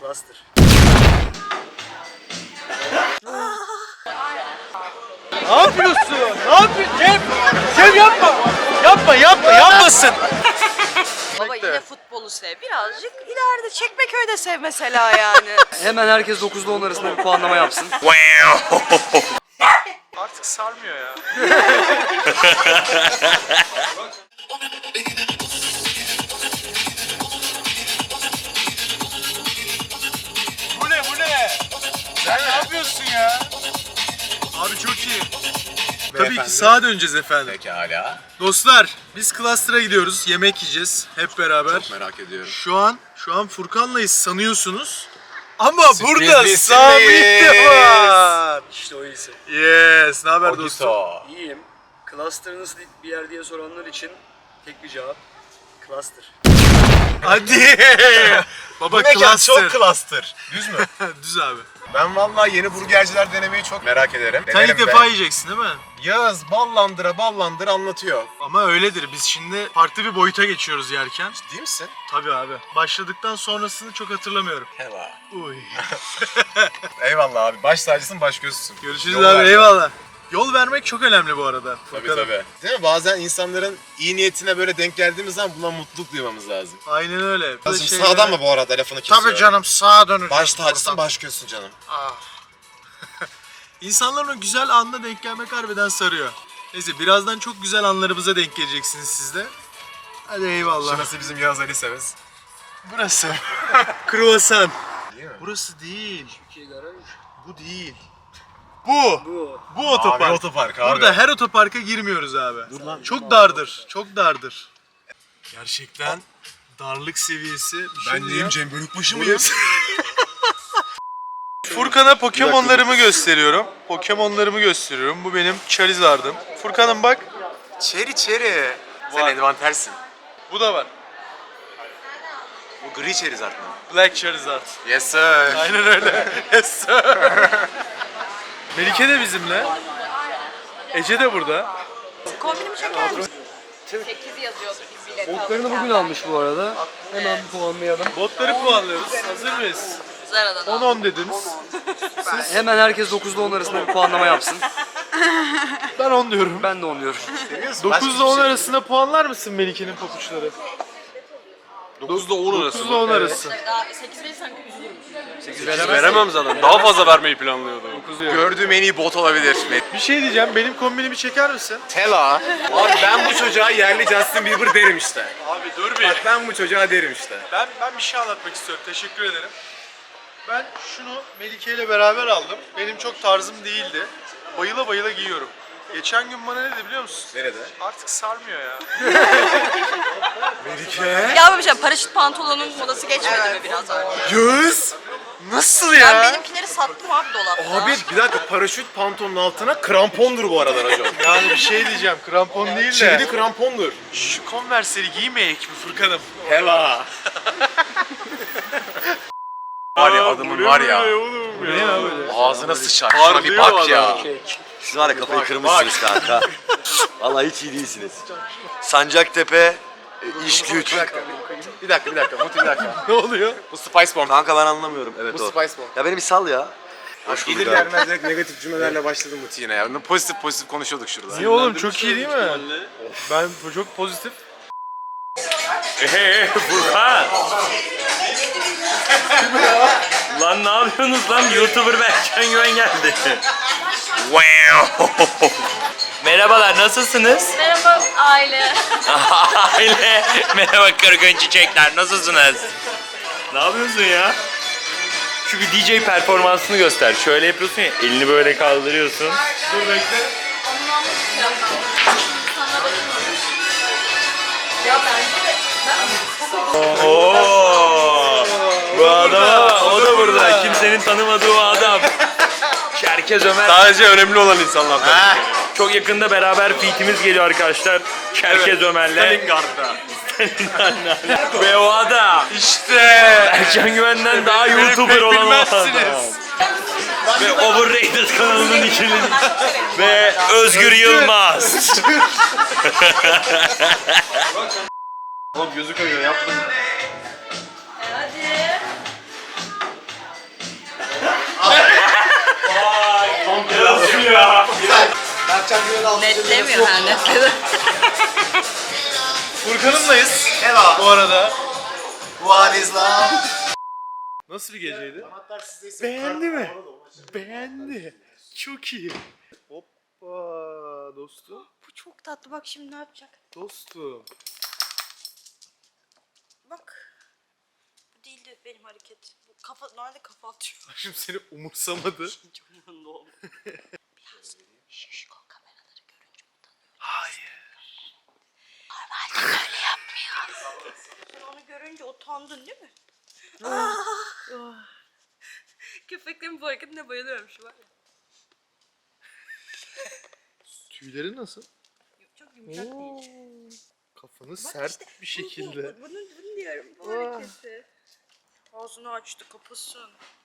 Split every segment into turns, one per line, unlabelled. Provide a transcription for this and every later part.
Cluster.
Ne yapıyorsun? Ne yapıyorsun Cem? Cem yapma. Yapmasın.
Baba yine futbolu sev. Birazcık ileride Çekmeköy'de sev mesela yani.
Hemen herkes 9'da 10 arasında bir puanlama yapsın.
Artık sarmıyor ya. Bu ne? Sen ne yapıyorsun ya? Abi çok iyi. Tabii ki sağa döneceğiz efendim.
Pekala.
Dostlar biz Cluster'a gidiyoruz. Yemek yiyeceğiz hep beraber.
Çok merak ediyorum.
Şu an Furkan'layız sanıyorsunuz. Ama
Sürpriz
burada
bir
Sabit
sürpriz.
de var.
İşte o iyisi.
Yes. Ne haber dostum?
Ogito.
İyiyim. Cluster nasıl bir yer diye soranlar için tek bir cevap. Cluster.
Hadi. Baba
Bu mekan
Cluster.
çok cluster. Düz mü?
Düz abi.
Ben vallahi yeni burgerciler denemeyi çok merak ederim.
Sen
Denerim
ilk
de.
defa yiyeceksin değil mi?
Yağız ballandıra anlatıyor.
Ama öyledir. Biz şimdi farklı bir boyuta geçiyoruz yerken.
Değil misin?
Tabii abi. Başladıktan sonrasını çok hatırlamıyorum.
Hela.
Uy.
Eyvallah abi. Baş tacısın, baş gözüsün.
Görüşürüz
Yol
abi.
ver.
Eyvallah. Yol vermek çok önemli bu arada.
Tabii
Furkan'ım.
tabii. Değil mi? Bazen insanların iyi niyetine böyle denk geldiğimiz zaman buna mutluluk duymamız lazım.
Aynen öyle.
Şimdi sağdan mı bu arada lafını kesiyorum?
Tabii canım sağa döneceğiz.
Baş tacısın, baş gözsün canım.
İnsanların o güzel anına denk gelmek harbiden sarıyor. Neyse birazdan çok güzel anlarımıza denk geleceksiniz siz de. Hadi eyvallah.
Şurası bizim Yağız Ali Seves.
Burası. Kruvasan.
Değil mi?
Burası değil.
Türkiye garaj.
Bu değil. Bu. Bu otopark.
Abi otopark abi.
Burada her otoparka girmiyoruz abi. Çok dardır. Çok dardır. Gerçekten darlık seviyesi. Bir şey
Ben neyim
diyeceğim.
Cem Bölükbaşı mıyım?
Furkan'a Pokemon'larımı gösteriyorum. Bu benim Charizard'ım. Furkan'ım bak.
Çeri. Sen Edvan tersin.
Bu da var.
Bu gri Charizard mı?
Black Charizard.
Yes sir.
Aynen öyle. Yes sir. Melike de bizimle. Ece de burada.
Kombinimi çeker misin? 8 yazıyordu biz bilet
Botlarını bugün almış bu arada. Hemen bir puanlayalım.
Botları puanlıyoruz. Hazır mıyız?
Zara'dan
10-10 dediniz.
Hemen herkes 9'da 10 arasında bir puanlama yapsın.
Ben 10 diyorum.
Ben de 10 diyorum.
9 ile 10 arasında puanlar mısın Melike'nin papuçları?
9'da 10 arası.
9 ile 10 arası.
Daha 8 verirsen üzülürüm.
Veremem zaten. Daha fazla vermeyi planlıyordum.
Gördüğüm en iyi bot olabilir.
Bir şey diyeceğim. Benim kombinimi çeker misin?
Tela. Abi ben bu çocuğa yerli Justin Bieber derim işte.
Abi dur bir.
Bak ben bu çocuğa derim işte.
Ben bir şey anlatmak istiyorum. Teşekkür ederim. Ben şunu Melike ile beraber aldım. Benim çok tarzım değildi. Bayıla bayıla giyiyorum. Geçen gün bana ne dedi biliyor musun?
Nerede?
Artık sarmıyor ya.
Ya babacığım paraşüt pantolonun modası geçmedi mi biraz önce?
Yüz.
Nasıl
Ben
ya?
benimkileri sattım abi dolapta.
Abi bir dakika paraşüt pantolonun altına krampondur bu arada hocam.
Yani bir şey diyeceğim. Krampon değil
Çivili
de.
krampondur.
Şu Converse'leri giymeyek mi Furkan'ım?
Hela. Var ya adamın var ya.
Ne ya böyle?
Ağzına sıçar. Şuna bir bak ya.
Siz var ya kafayı kırmışsınız kanka. Vallahi hiç iyi değilsiniz. Sancaktepe, iş güç.
Bir dakika. Mutlu bir dakika.
Ne oluyor?
Bu Spice Bomb.
Kanka ben anlamıyorum. Evet
Bu
o.
Spice Bomb.
Ya beni bir sal ya. Hoş bulduk
Gelir
abi.
gelmez direkt negatif cümlelerle başladı Muti yine ya. Pozitif konuşuyorduk şurada.
Niye oğlum çok iyi değil mi? Ben çok pozitif.
Furkan! Lan ne yapıyorsunuz lan? YouTuber Berkcan Güven geldi. Merhabalar, nasılsınız?
Merhaba aile.
Aile. Merhaba kırgın çiçekler, nasılsınız? Ne yapıyorsun ya? Şu bir DJ performansını göster. Şöyle yapıyorsun ya, elini böyle kaldırıyorsun.
Dur bekle.
Oo! Bu adam, o da burada. Kimsenin tanımadığı o adam. Çerkez Ömer.
Sadece önemli olan insanlardan.
Çok yakında beraber feat'imiz geliyor arkadaşlar. Çerkez Ömer'le.
Stalingard'da.
Ve o adam.
İşte.
Ercan Güven'den daha YouTuber olan o adam. Ve Overrated kanalının ikili. Ve Özgür Yılmaz.
Oğlum gözü kayıyor yaptım.
Hadi. Netlemiyor ha, netledi.
Furkan'ımlayız.
Hello.
Bu arada.
What is love?
Nasıl bir geceydi?
Anahtar sizdeyse
Beğendi mi? Beğendi. Çok iyi. Hoppa dostum.
Bu çok tatlı, bak şimdi ne yapacak?
Dostum.
Bak. Bu değildi benim hareket. Bu kafa, nerede kafa atıyor?
Şimdi seni umursamadı.
Çok umurumda oldu. Biraz şişko kameraları görünce utanıyorum.
Hayır.
Normalde böyle yapmıyor. Sen onu görünce utandın değil mi? Köpeklerin bu hareketine bayılıyorum şu var ya.
Tüyleri nasıl?
Çok yumuşak değil.
Kafanı sert
işte,
bir şekilde.
Bunu diyorum, bu hareketi. Ağzını açtı, kapasın.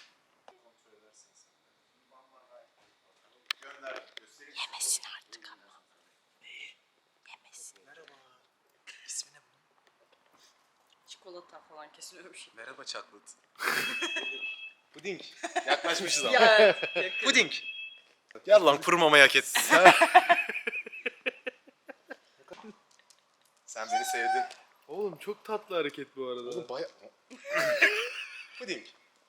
Yemesin artık ama. Neyi? Yemesin. Merhaba.
İsmi ne bunun?
Çikolata falan kesin öyle bir şey.
Merhaba çaklıt. Puding. Yaklaşmışız ama.
Ya,
Puding. Gel lan kuru mamayı hak ettin. Sen beni sevdin.
Oğlum çok tatlı hareket bu arada.
Oğlum baya... Puding.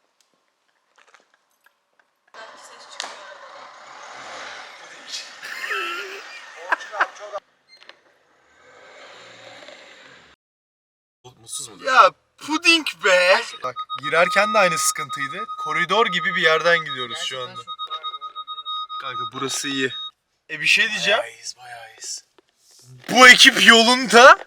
Mutsuz mu?
Ya puding be. Bak girerken de aynı sıkıntıydı. Koridor gibi bir yerden gidiyoruz şu anda. Kanka burası iyi. Bir şey diyeceğim.
Bayağı iyiyiz.
Bu ekip yolunda.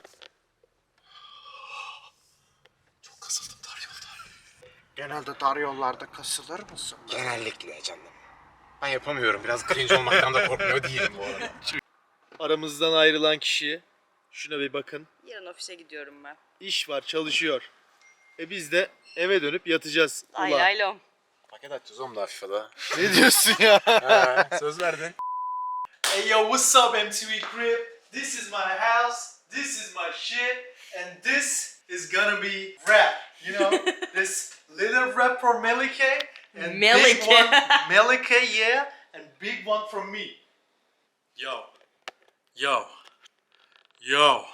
Çok kasıldım dar yolda.
Genelde dar yollarda kasılır mısın?
Genellikle canım. Ben yapamıyorum. Biraz cringe olmaktan da korkmuyor değilim bu arada.
Aramızdan ayrılan kişi. Şuna bir bakın.
yarın ofise gidiyorum ben.
İş var, çalışıyor. Biz de eve dönüp yatacağız.
Lay
Ulan.
lay lom.
Paket açacağız oğlum da FIFA'da.
Ne diyorsun ya?
Söz verdin.
Hey yo, what's up MTV Crib? This is my house, this is my shit, and this is gonna be rap. You know, this little rap for Melike and big
Melike.
one, Melike, yeah, and big one from me. Yo, yo, yo,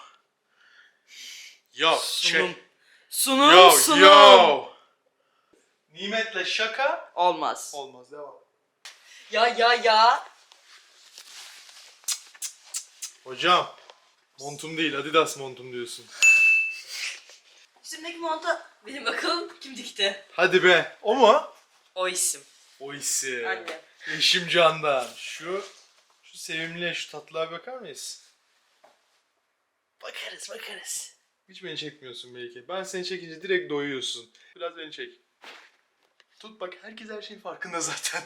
yo, check.
Sunum,
Yo,
sunum.
yo. Nimetle şaka
Olmaz.
olmaz, devam.
Ya.
Hocam, montum değil, Adidas montum diyorsun.
Üstümdeki monta benim bakalım kim dikti?
Hadi be, o mu?
O isim.
O isim.
Anne.
Eşim Candan. Şu sevimli, şu tatlıya bakar mıyız?
Bakarız.
Hiç beni çekmiyorsun belki. Ben seni çekince direkt doyuyorsun. Biraz beni çek. Tut bak, herkes her şeyin farkında zaten.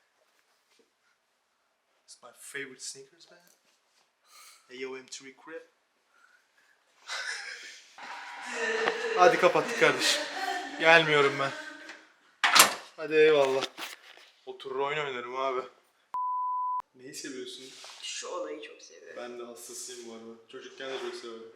It's my favorite sneakers, man. AOM3 Crib. Hadi kapattık kardeşim. Gelmiyorum ben. Hadi eyvallah. Oturur oyun oynarım abi. Neyi seviyorsun?
Şu olayı çok seviyorum.
Ben de hastasıyım bu arada. Çocukken de çok severdim.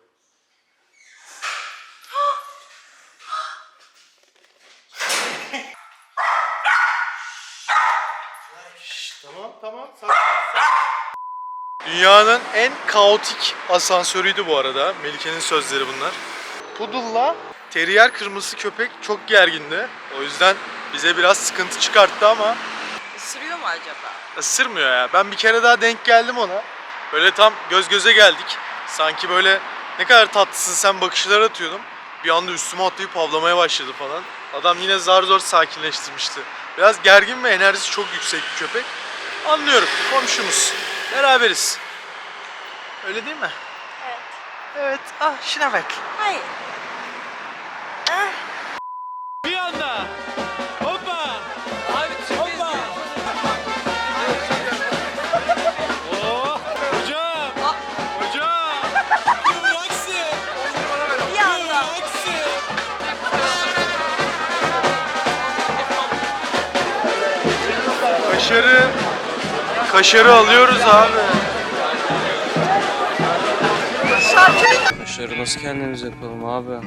Şşş, tamam. Sakin. Dünyanın en kaotik asansörüydü bu arada. Melike'nin sözleri bunlar. Poodle'la terrier kırmızı köpek çok gergindi. O yüzden bize biraz sıkıntı çıkarttı ama
Isırıyor mu acaba?
ısırmıyor ya. Ben bir kere daha denk geldim ona. Böyle tam göz göze geldik. Sanki böyle ne kadar tatlısın sen bakışlar atıyordum. Bir anda üstüme atlayıp havlamaya başladı falan. Adam yine zar zor sakinleştirmişti. Biraz gergin ve enerjisi çok yüksek bir köpek. Anlıyorum. Komşumuz. Beraberiz. Öyle değil mi?
Evet.
Evet. Ah şuna bak.
Hayır.
Bir anda. Hoppa. Abi hoppa. Oh, hocam. Hocam. Bıraksın.
Bir anda.
Kaşarı alıyoruz abi.
Kaşarı nasıl kendimiz yapalım abi?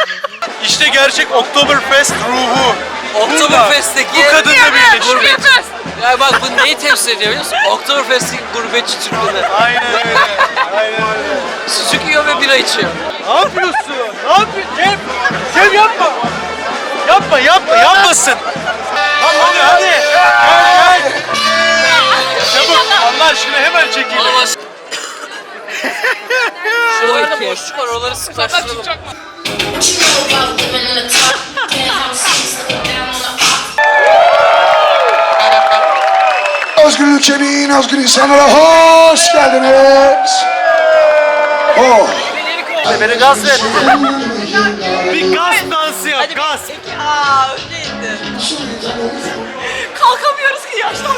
İşte gerçek Oktoberfest ruhu.
Oktoberfest'teki
Bu kadınla birleşmek.
Ya bak bu neyi temsil ediyor biliyor musun? Oktoberfest'in gurbetçi Türkleri.
Aynen öyle. Aynen öyle.
Sucuk yiyor ve bira içiyor.
Ne yapıyorsun? Ne yapıyorsun? Cem! Cem yapma! Yapmasın! Lan hadi! Gel! Çabuk! Allah aşkına hemen çekelim.
Şuralarda boşluk var oraları sıklaştıralım.
Özgür ülkemin özgür insanlara hoş geldiniz. Oh.
Beni gaz etti. Bir gaz dansı yap, gaz.
Aa öyleydi. Kalkamıyoruz ki yaşlandık.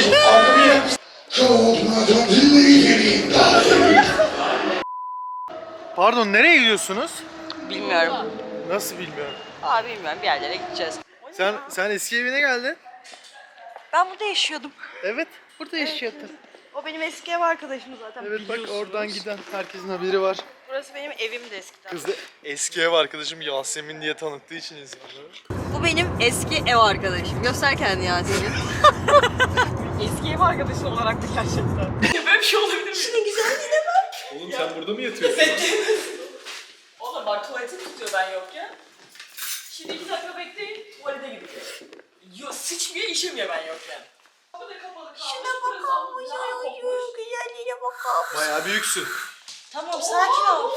Pardon, nereye gidiyorsunuz?
Bilmiyorum.
Nasıl bilmiyorum.
Aa bilmiyorum bir yerlere gideceğiz.
Sen eski evine geldin.
Ben burada yaşıyordum.
Evet, burada yaşıyordun.
O benim eski ev arkadaşım zaten
Evet bak
biliyorsunuz.
oradan giden herkesin haberi var.
Burası benim evimdi eskiden.
Kız da eski ev arkadaşım Yasemin diye tanıttığı için insanları.
Bu benim eski ev arkadaşım. Göster kendini Yasemin. eski ev arkadaşın olarak da gerçekten. Böyle bir şey olabilir mi? Şunun güzelliğine bak.
Oğlum sen burada mı yatıyorsun?
Oğlum bak tuvaleti tutuyor ben yokken. Şimdi 2 dakika bekleyin tuvalete gideceğim. Yo sıçmıyor işemiyor ben yokken. Şuna bakalım güzelliğine bakalım.
Bayağı büyüksün.
Tamam sakin ol.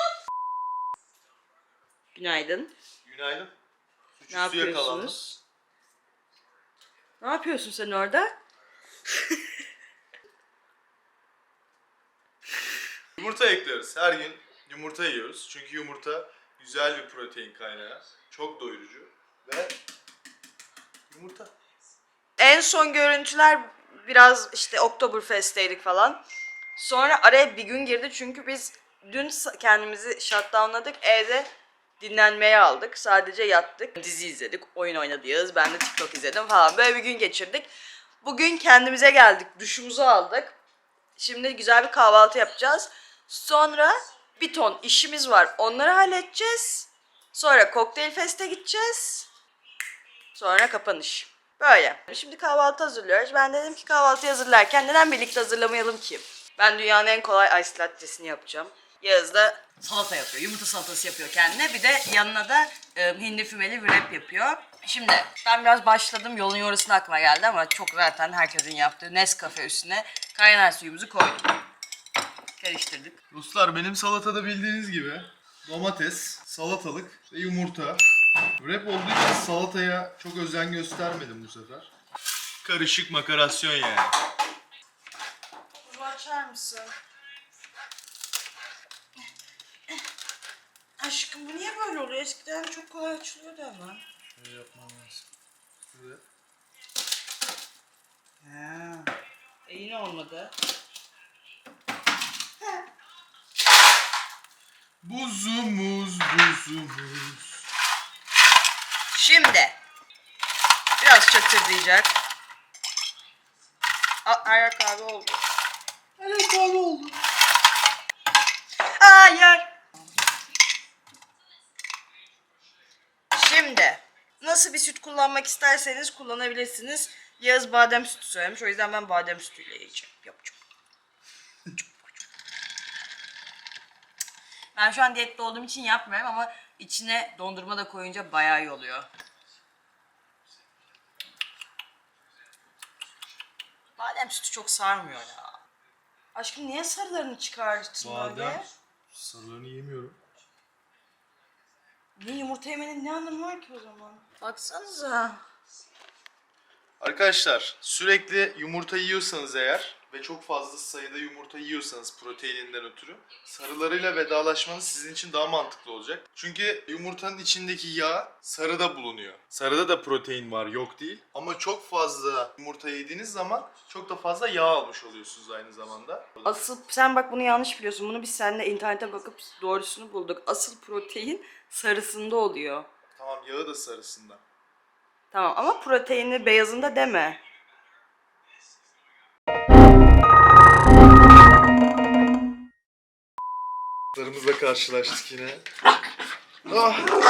Günaydın.
Günaydın.
Ne
Suçüstü yakalandım.
yapıyorsunuz? Ne yapıyorsun sen orada?
Yumurta ekliyoruz. Her gün yumurta yiyoruz. Çünkü yumurta güzel bir protein kaynağı. Çok doyurucu. Ve yumurta.
En son görüntüler biraz işte Oktoberfest'teydik falan. Sonra araya bir gün girdi çünkü biz dün kendimizi shutdownladık. Evde dinlenmeye aldık. Sadece yattık. Dizi izledik, oyun oynadık. Ben de TikTok izledim falan. Böyle bir gün geçirdik. Bugün kendimize geldik. Duşumuzu aldık. Şimdi güzel bir kahvaltı yapacağız. Sonra bir ton işimiz var. Onları halledeceğiz. Sonra kokteyl feste gideceğiz. Sonra kapanış. Böyle. Şimdi kahvaltı hazırlıyoruz. Ben dedim ki kahvaltı hazırlarken neden birlikte hazırlamayalım ki? Ben dünyanın en kolay ice latte'sini yapacağım. Yağız da salata yapıyor. Yumurta salatası yapıyor kendine. Bir de yanına da hindi fümeli wrap yapıyor. Şimdi ben biraz başladım. Yolun yorusuna aklıma geldi ama çok zaten herkesin yaptığı Nescafe üstüne kaynar suyumuzu koyduk. Karıştırdık.
Ruslar benim salatada bildiğiniz gibi domates, salatalık ve yumurta. Wrap olduğu için salataya çok özen göstermedim bu sefer. Karışık makarasyon yani.
Kuzu açar mısın? Aşkım bu niye böyle oluyor? Eskiden çok kolay açılıyordu ama.
Şöyle yapmam lazım. Şöyle.
Yine olmadı.
Buzumuz, buzumuz.
Şimdi biraz çatırdayacak. Her yer kahve oldu.
Her kahve oldu.
Hayır. Şimdi nasıl bir süt kullanmak isterseniz kullanabilirsiniz. Yağız badem sütü söylemiş. O yüzden ben badem sütüyle yiyeceğim. Yapacağım. Ben şu an diyette olduğum için yapmıyorum ama içine dondurma da koyunca bayağı iyi oluyor. Badem sütü çok sarmıyor ya. Aşkım niye sarılarını çıkarttın öyle?
Badem. Sarılarını yemiyorum.
Niye yumurta yemenin ne anlamı var ki o zaman? Baksanıza.
Arkadaşlar sürekli yumurta yiyorsanız eğer ve çok fazla sayıda yumurta yiyorsanız proteininden ötürü sarılarıyla vedalaşmanız sizin için daha mantıklı olacak. Çünkü yumurtanın içindeki yağ sarıda bulunuyor. Sarıda da protein var, yok değil. Ama çok fazla yumurta yediğiniz zaman çok da fazla yağ almış oluyorsunuz aynı zamanda.
Asıl sen bak bunu yanlış biliyorsun. Bunu biz seninle internete bakıp doğrusunu bulduk. Asıl protein sarısında oluyor.
Tamam, yağı da sarısında.
Tamam ama proteini beyazında deme.
Larımızla karşılaştık yine.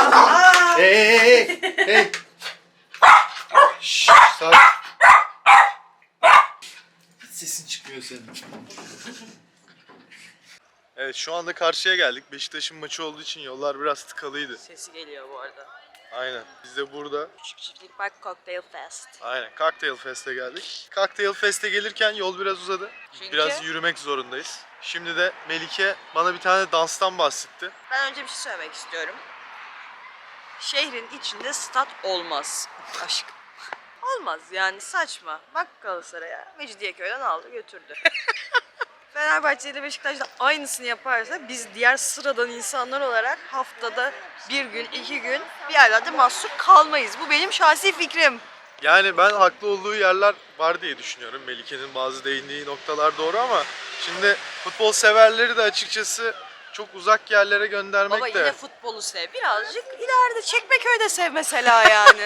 Ah! Hey! Şşş, sakin.
geliyor senin.
Evet şu anda karşıya geldik. Beşiktaş'ın maçı olduğu için yollar biraz tıkalıydı.
Sesi geliyor bu arada.
Aynen. Biz de burada
Küçük Çiftlik Park Cocktail Fest.
aynen Cocktail Fest'e geldik. Cocktail Fest'e gelirken yol biraz uzadı.
Çünkü?
Biraz yürümek zorundayız. Şimdi de Melike bana bir tane danstan bahsetti.
Ben önce bir şey söylemek istiyorum. Şehrin içinde stat olmaz. Aşkım. Olmaz yani, saçma. Bak Galatasaray'a. Mecidiyeköy'den aldı götürdü. Fenerbahçe ile Beşiktaş da aynısını yaparsa biz diğer sıradan insanlar olarak haftada bir gün, 2 gün bir yerlerde mahsur kalmayız. Bu benim şahsi fikrim.
Yani ben haklı olduğu yerler var diye düşünüyorum. Melike'nin bazı değindiği noktalar doğru ama şimdi futbol severleri de açıkçası çok uzak yerlere göndermek
Baba
de...
yine futbolu sev. Birazcık ileride Çekmeköy'de sev mesela yani.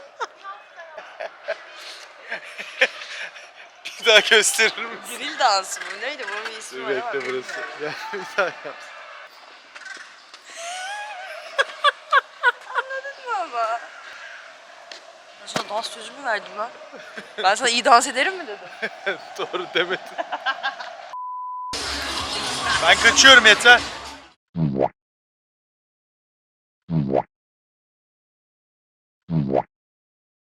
Bir daha gösterir misin?
Grill dansı mı? Neydi? Bunun bir ismi
Dur
var ama
bekle
bilmiyorum.
burası. Gel bir daha yap.
Baba. Ben sana dans sözü mü verdim lan? Ben sana iyi dans ederim mi dedim?
Doğru demedin. Ben kaçıyorum yeter.